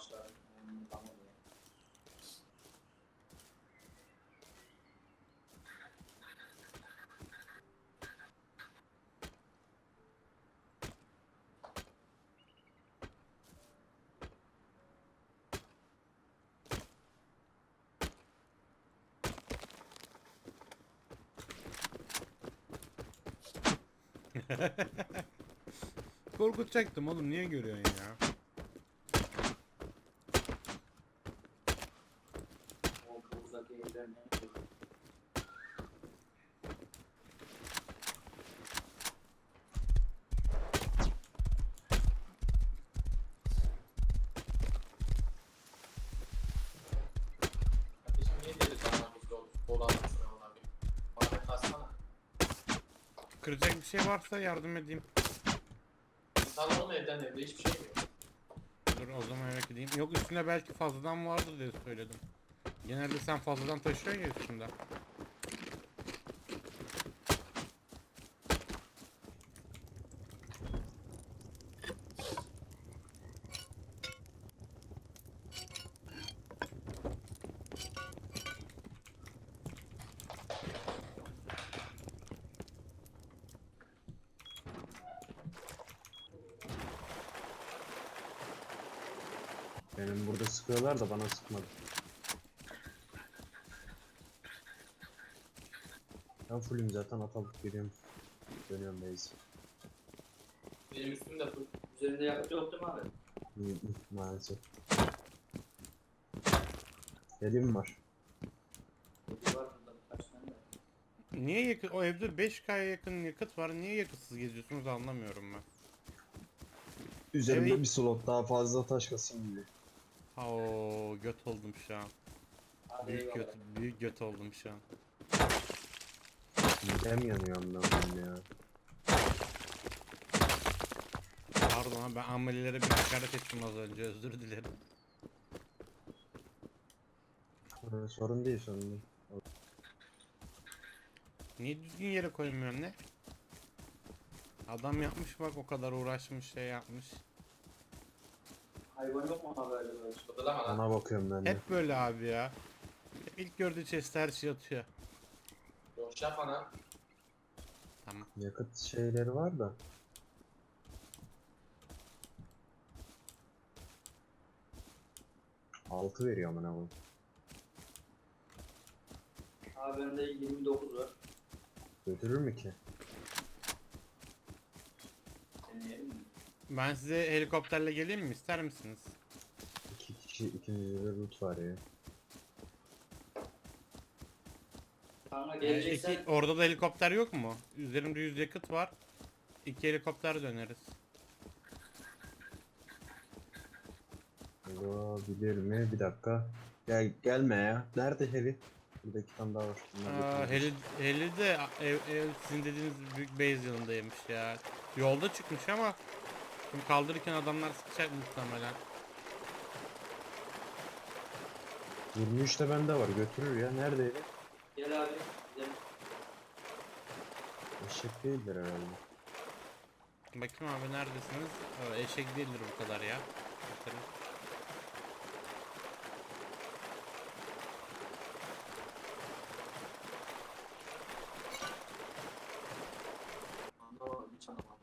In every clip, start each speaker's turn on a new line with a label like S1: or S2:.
S1: ağaçlar. Tamam ya.
S2: Korkutacaktım oğlum, niye görüyorsun ya?
S1: O çok uzak evler ne? Kardeşim niye dedi sana bu dolandırıcı olan bir? Bana kalsana.
S2: Kıracak bir şey varsa yardım edeyim.
S1: İnsan oğlum evde hiçbir şey yok.
S2: Dur o zaman eve gideyim. Yok, üstüne belki fazladan vardır diye söyledim. Genelde sen fazladan taşıyorsun ya üstünde.
S3: Benim burada sıkıyorlar da bana sıkmadı. Ben fullüm zaten, atalıp geliyorum. Dönüyorum base.
S1: Benim üstümde full. Üzerinde yakıt yok değil mi abi?
S3: Maalesef. Elim var.
S1: Bir var burada birkaç tane de.
S2: Niye yakıt? O evde 5K'ya yakın yakıt var. Niye yakıtsız geziyorsunuz anlamıyorum ben.
S3: Üzerimde
S2: Evet.
S3: bir slot daha fazla taş kasayım gibi.
S2: Oo, göt oldum şu an.
S1: Hadi
S2: Büyük
S1: eyvallah.
S2: göt, büyük göt oldum şu an.
S3: Midem yanıyor anlamam ya.
S2: Pardon abi, ben amelilere bir hakaret ettim az önce, özür dilerim.
S3: Sorun değil, sorun değil.
S2: Niye düzgün yere koymuyorsun ne? Adam yapmış bak, o kadar uğraşmış, şey yapmış.
S1: Hayvan yok mu abi böyle böyle? Odalama lan.
S3: Ona bakıyorum ben de.
S2: Hep böyle abi ya. İlk gördüğü chest'e her şey atıyor.
S1: Boş yapma lan.
S2: Tamam.
S3: Yakıt şeyleri var da. Altı veriyor amına koyayım.
S1: Abi bende 29 var.
S3: Götürür mü ki?
S1: Deneyelim mi?
S2: Ben size helikopterle geleyim mi, ister misiniz?
S3: İki kişi, ikimizde de loot var ya.
S1: Kanka geleceksen
S2: Orada da helikopter yok mu? Üzerimde 100 yakıt var. 2 helikopter döneriz.
S3: Olabilir mi? Bir dakika. Gelme ya. Nerede heli? Burada iki tane daha var. Bunlar götürürüz.
S2: Heli de sizin dediğiniz büyük base yanındaymış ya. Yolda çıkmış ama şimdi kaldırırken adamlar sıkacak muhtemelen.
S3: 23 de bende var. Götürür ya. Neredeydi?
S1: gel abi. Gidelim.
S3: Eşek değildir herhalde.
S2: Bakayım abi, neredesiniz? Eşek değildir bu kadar ya. Bakalım.
S1: Anlamadım hiç anlamadım.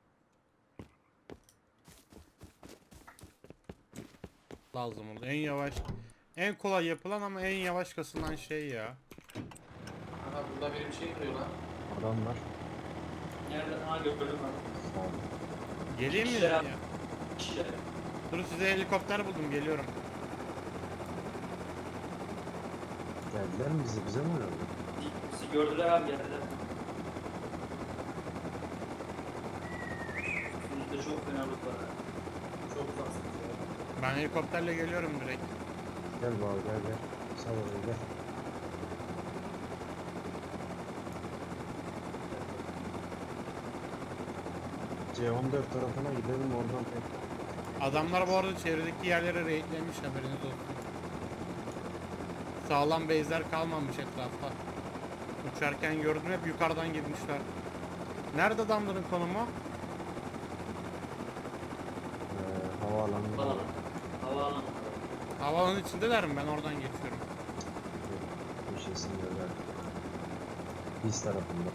S2: Lazım oldu. En yavaş, en kolay yapılan ama en yavaş kasılan şey ya.
S1: Aha burada benim şey duruyor lan.
S3: Adam var.
S1: Nerede? Ha gördüm abi.
S3: Sağ ol.
S2: Geleyim mi
S1: Kişiler
S2: ya?
S1: abi. Kişiler.
S2: Dur, size helikopter buldum, geliyorum.
S3: Geldiler mi bize? Bize mi oynadı?
S1: Bizi gördüler abi geldiler. Üstümüzde çok fena loot var abi. Çok uzaksınız ya.
S2: Ben helikopterle geliyorum direkt.
S3: Gel baba, gel gel. Sağ ol, gel. C14 tarafına gidelim, oradan tek.
S2: Adamlar bu arada çevredeki yerlere raidlemiş, haberiniz olsun. Sağlam base'ler kalmamış etrafta. Uçarken gördüm, hep yukarıdan girmişler. Nerede adamların konumu?
S3: Havaalanı.
S1: Havaalanı. Havaalanı.
S2: Havanın içindeler mi? Ben oradan geçiyorum.
S3: Köşesinde de. Biz tarafında.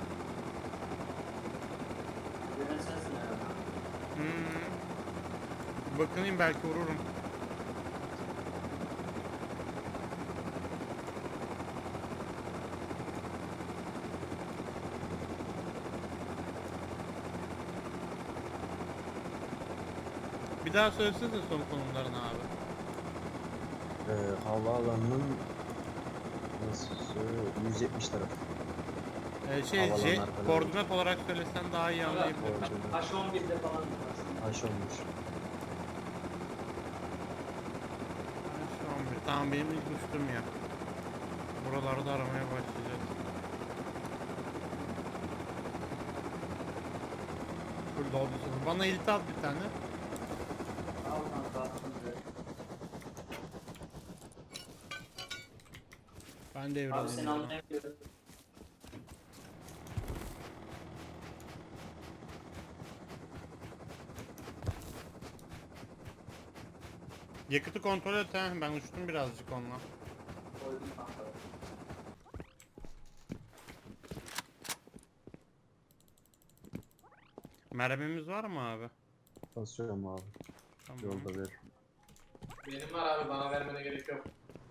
S1: Gören sensin herhalde.
S2: Bakınayım belki vururum. Bir daha söylesene son konumlarını abi.
S3: Havaalanının nasıl söylüyor? 170 tarafı. Havalan arkadan.
S2: Koordinat olarak söylesen daha iyi anlayabilirim.
S3: Koordinat.
S1: H11'de falan yaparsın.
S3: Aş olmuş.
S2: Şu an bir. Tamam benim ilk uçtum ya. Buralarda aramaya başlayacağız. Burada olduysa. Bana elit at bir tane.
S1: Al kanka attım direkt.
S2: Ben
S1: Abi
S2: devralayım.
S1: seni anlayamıyorum.
S2: Yakıtı kontrol et he. Ben uçtum birazcık onunla.
S1: Koydum kanka.
S2: Mermimiz var mı abi?
S3: Basıyorum abi.
S2: Tamam.
S3: Yolda ver.
S1: Benim var abi, bana vermene gerek yok.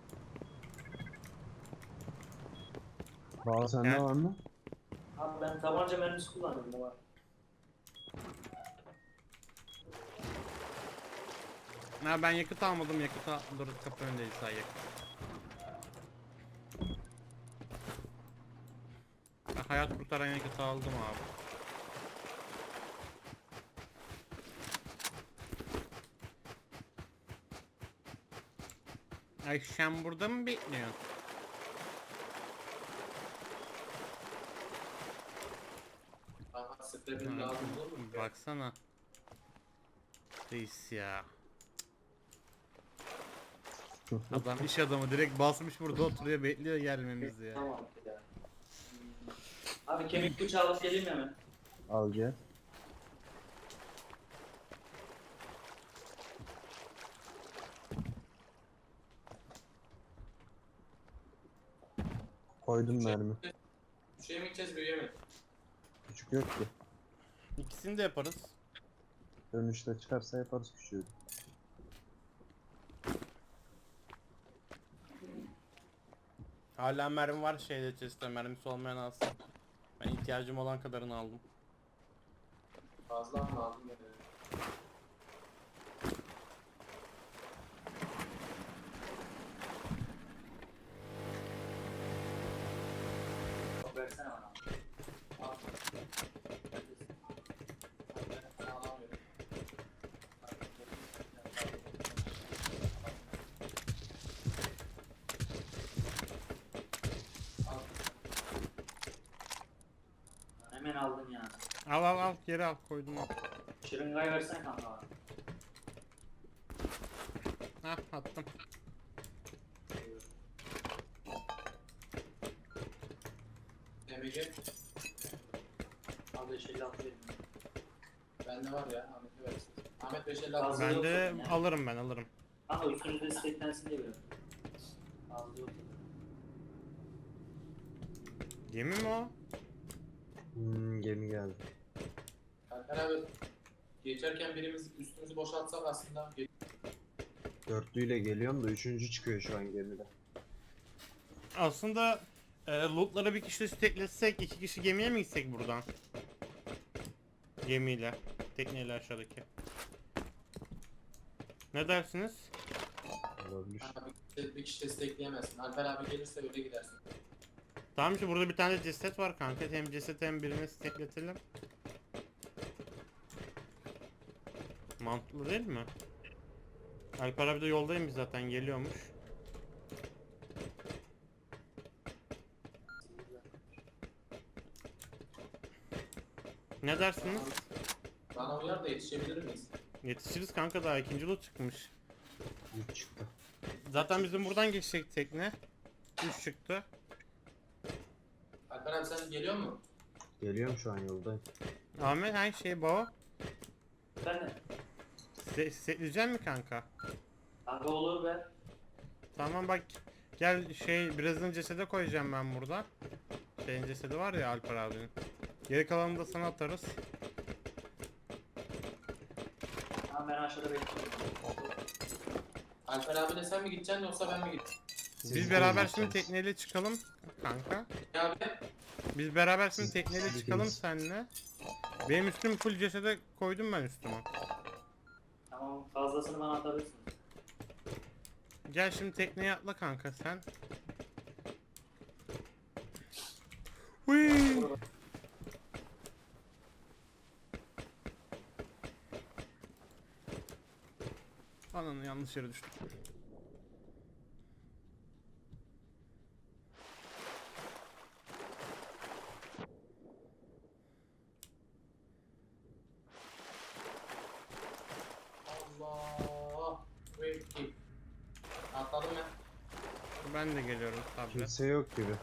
S3: Bağlı sende
S2: Gel.
S3: var mı?
S1: Abi ben tabanca mermisi kullanıyorum, o var.
S2: Ha ben yakıt almadım. Dur kapı önündeyiz say yakıt. Ben hayat kurtaran yakıtı aldım abi. Ay sen burada mı bekliyorsun?
S1: Bana spreyim lazım olur mu?
S2: Baksana. Reis ya. Adam iş adamı direkt basmış burada oturuyor bekliyor gelmemizi ya.
S1: Tamam ya. Abi kemik bıçağı alıp geleyim hemen.
S3: Al gel. Koydum mermi.
S1: Şey mi gideceğiz, büyüye mi?
S3: Küçük yok ki.
S2: İkisini de yaparız.
S3: Dönüşte çıkarsa yaparız küçüğü.
S2: Hala mermi var şeyde chest'te mermisi olmayan alsın. Ben ihtiyacım olan kadarını aldım.
S1: Fazla mı aldım ya? Versene bana. Al. Ben alamıyorum. Al. Hemen aldın ya.
S2: Al geri al koydum al.
S1: Şırıngayı versene kanka bana.
S2: Hah attım.
S1: Demeyecek. Abi 556 verin. Bende var ya, Ahmet'e versin. Ahmet 556.
S2: Ben
S1: yok
S2: de
S1: zaten ya.
S2: alırım.
S1: Kanka üstünüzde isteklensin diye veriyorum. Fazla yok.
S2: Gemi mi o?
S3: Gemi geldi.
S1: Alper abi, geçerken birimiz üstümüzü boşaltsak aslında.
S3: Dörtlüyle geliyorum da üçüncü çıkıyor şu an gemide.
S2: Aslında lootları bir kişi steklesek 2 kişi gemiye mi gitsek buradan? Gemiyle. Tekneyle aşağıdaki. Ne dersiniz?
S3: Olabilir.
S1: Bir kişi destekleyemezsin. Alper abi gelirse öyle gidersin.
S2: Tamam işte burada bir tane ceset var kanka. Hem ceset hem birini stekletelim. Mantıklı değil mi? Alper abi de yoldayım zaten geliyormuş. Ne dersiniz?
S1: Bana uyar da yetişebilir miyiz?
S2: Yetişiriz kanka daha ikinci loot çıkmış.
S3: 3 çıktı.
S2: Zaten bizim buradan geçecek tekne. 3 çıktı.
S1: Alper abi sen geliyor mu?
S3: Geliyorum şu an yoldayım.
S2: Ahmet her şey baba.
S1: Ben de.
S2: Setleyecek mi kanka?
S1: Kanka olur be.
S2: Tamam bak. Gel birazını cesede koyacağım ben burada. Şeyin cesedi var ya Alper abinin. Geri kalanını da sana atarız.
S4: Tamam ben aşağıda bekliyorum.
S1: Alper abiyle sen mi gideceksin yoksa ben mi gideceğim?
S3: Siz
S2: Biz
S3: de
S2: beraber
S3: gideceksiniz.
S2: şimdi tekneyle çıkalım kanka.
S1: Ya abi.
S2: Biz beraber şimdi
S3: Siz-
S2: tekneyle
S3: siz
S2: çıkalım
S3: ikiniz.
S2: seninle. Benim üstüm full cesede koydum ben üstüme.
S4: Tamam fazlasını bana atabilirsin.
S2: Gel şimdi tekneye atla kanka sen. Hıy! Ananı yanlış yere düştüm.
S1: Allah. Wait. Atladım ben.
S2: Ben de geliyorum tablet.
S3: Kimse yok gibi.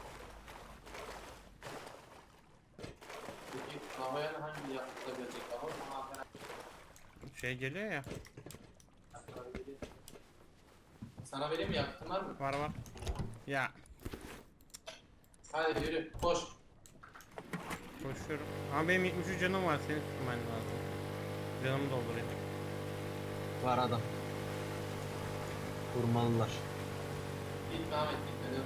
S1: Peki havaya da hangi yakıtla gelecek bakalım. Ama Alper abi
S2: Şey geliyor ya.
S1: geliyor. Sana vereyim mi, yakıtın var mı?
S2: Var var. Ya
S1: Hadi yürü koş.
S2: koşuyorum. Ama benim 73 canım var, seni tutman lazım. Canımı doldurayım.
S3: Var adam. Vurmalılar.
S1: Gitme Ahmet gitme. Dur.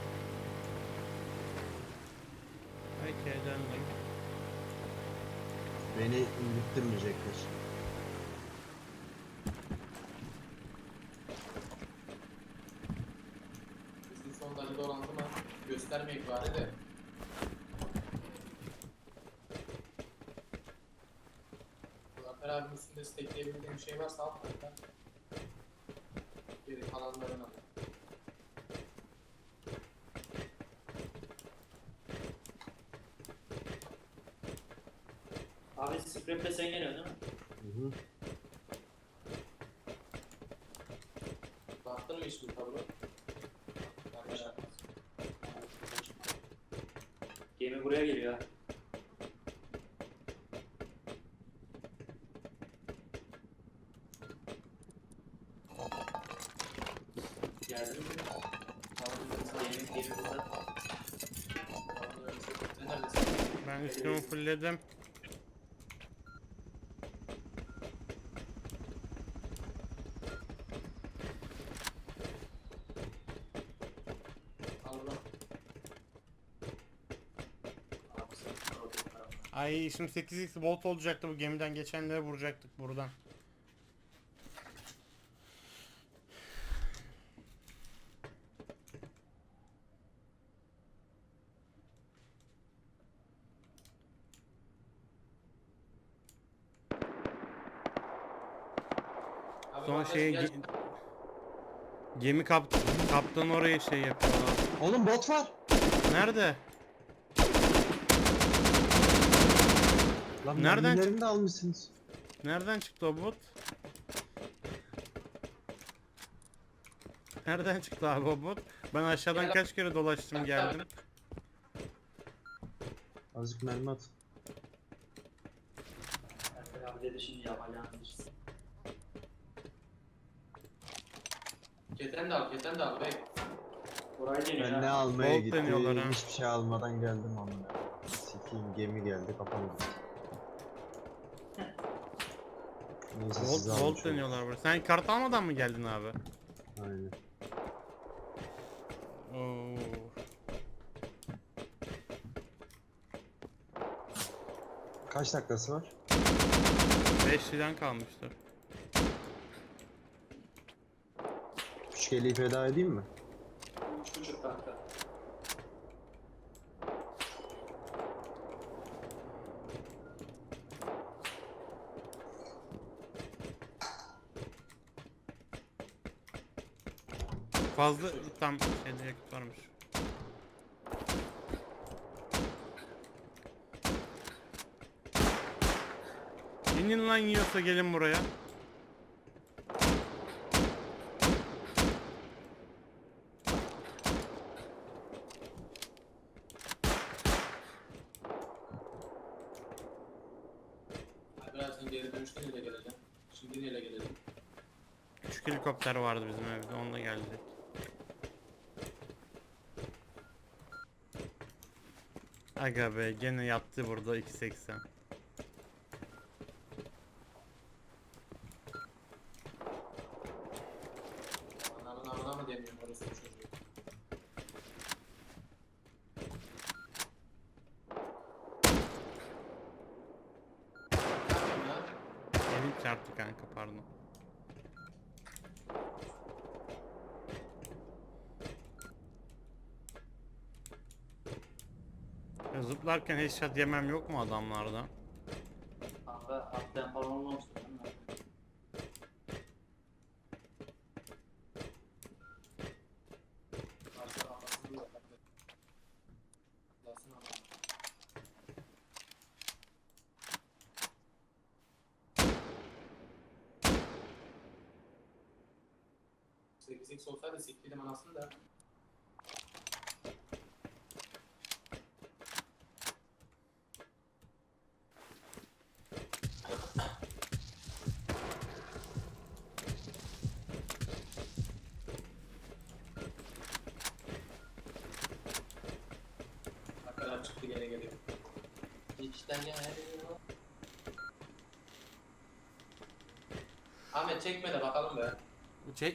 S2: Peki döndüm.
S3: Beni indirtmeyecekler.
S1: Bizim son dakika olan zaman göstermeyek bari de. Alper abinin üstünde stekleyebildiğim bir şey varsa al kanka. Geri kalanlarını al.
S4: Abi scrap'le sen geliyorsun değil mi?
S3: Hı hı.
S1: Baktın mı hiç bu tablo? Yanlış yapmaz.
S4: Gemi buraya geliyor ha. Geldin mi? Gemi burada.
S1: Sen neredesin?
S2: Ben üstümü fullledim.
S1: Al bunu.
S4: Abi sen orada.
S2: Ay şimdi 8x bolt olacaktı, bu gemiden geçenlere vuracaktık buradan.
S1: Abi
S2: Son
S1: bandaj
S2: şey
S1: gel.
S2: gemi kaptanı oraya şey yapıyorlar.
S3: Oğlum bot var.
S2: Nerede?
S3: Lan
S2: Nereden
S3: mermilerini de almışsınız.
S2: Nereden çıktı o bot? Nereden çıktı abi o bot? Ben aşağıdan
S1: Gel-
S2: kaç kere dolaştım geldim.
S3: Azıcık mermi at.
S4: Alper abi dedi şimdi yapacağını işte.
S1: Keten de al, keten de al bey.
S4: Burayı deniyor
S3: Ben ne
S4: ha.
S3: almaya
S2: Bolt deniyorlar ha.
S3: gittim, hiçbir şey almadan geldim amına. Sikiyim, gemi geldi kapandı. Neyse siz
S2: Volt
S3: almış olun.
S2: deniyorlar burada. Sen kart almadan mı geldin abi?
S3: Aynen.
S2: Oo.
S3: Kaç dakikası var?
S2: 5 liran kalmıştı.
S3: Küçük eli feda edeyim mi?
S4: 3,5 dakika.
S2: Fazla tam şeyde yakıt varmış. İnin lan, yiyorsa gelin buraya.
S1: Abi birazdan geri dönüşte neyle geleceğim? Şimdi neyle geleceğim?
S2: Küçük helikopter vardı bizim evde, onunla geldi. Aga be gene yattı burada 2.80.
S1: Ananın amına mı demiyorum orası çocuğu. Yapayım ya.
S2: Elim çarptı kanka pardon. Ya zıplarken headshot yemem yok mu adamlardan?
S4: Kanka atlayan falan olmamıştı değil mi?
S1: Karşı kafasını yok. Atlasın ama. Sekiz olsaydı siktirdim anasını da. Arkadan çıktı gene geliyor. İçten gene geliyor. Ahmet çekme de bakalım be.